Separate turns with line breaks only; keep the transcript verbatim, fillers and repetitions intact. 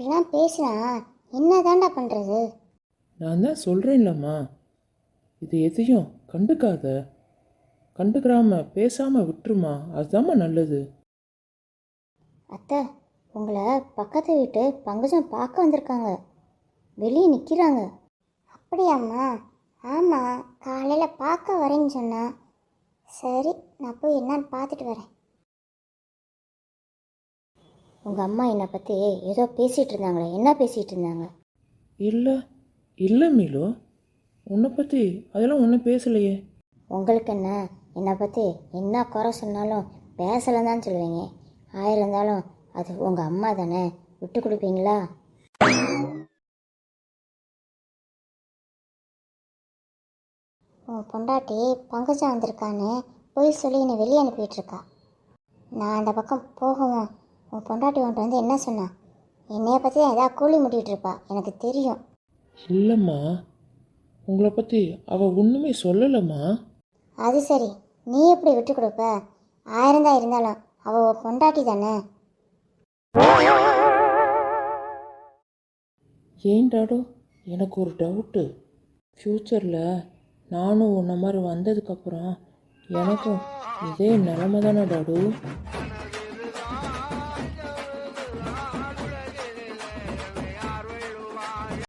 இப்படிலாம் பேசினா என்ன தாண்டா பண்ணுறது?
நான் தான் சொல்கிறேன்லம்மா, இது எதையும் கண்டுக்காத, கண்டுக்கிறாம பேசாமல் விட்டுருமா, அதுதாம்மா நல்லது.
அத்தை, உங்களை பக்கத்து வீட்டு பங்கஜம் பார்க்க வந்திருக்காங்க, வெளியே நிற்கிறாங்க. அப்படியாம்மா? ஆமாம், காலையில் பார்க்க வரேன்னு சொன்னா. சரி, நான் போய் என்னன்னு பார்த்துட்டு வரேன். உங்கள் அம்மா என்னை பற்றி ஏதோ பேசிகிட்டு இருந்தாங்களே, என்ன பேசிகிட்டு இருந்தாங்க?
இல்லை இல்லை மீலு, உன்னை பற்றி அதெல்லாம் ஒன்றும் பேசலையே.
உங்களுக்கு என்ன, என்னை பற்றி என்ன குறை சொன்னாலும் பேசலை தான் சொல்லுவீங்க. ஆயிரம் இருந்தாலும் அது உங்கள் அம்மா தானே, விட்டு கொடுப்பீங்களா? உன் பொண்டாட்டி பங்கஜா வந்திருக்கான்னு போய் சொல்லி என்னை வெளியே அனுப்பிட்டுருக்கா. நான் அந்த பக்கம் போகவும் உன் பொண்டாட்டி உன்ட்டு வந்து என்ன சொன்னா? என்னைய பற்றி தான் எதாவது கூலி முடிட்டு இருப்பா, எனக்கு தெரியும்.
இல்லைம்மா, உங்களை பற்றி அவள் ஒன்றுமே சொல்லலைம்மா.
அது சரி, நீ எப்படி விட்டு கொடுப்ப? ஆயிரம் தான் இருந்தாலும் அவள் உன் பொண்டாட்டி தானே.
ஏன் டாடு, எனக்கு ஒரு டவுட்டு. ஃப்யூச்சரில் நானும் உன்ன மாதிரி வந்ததுக்கப்புறம் எனக்கும் இதே நிலமை தானே டாடு?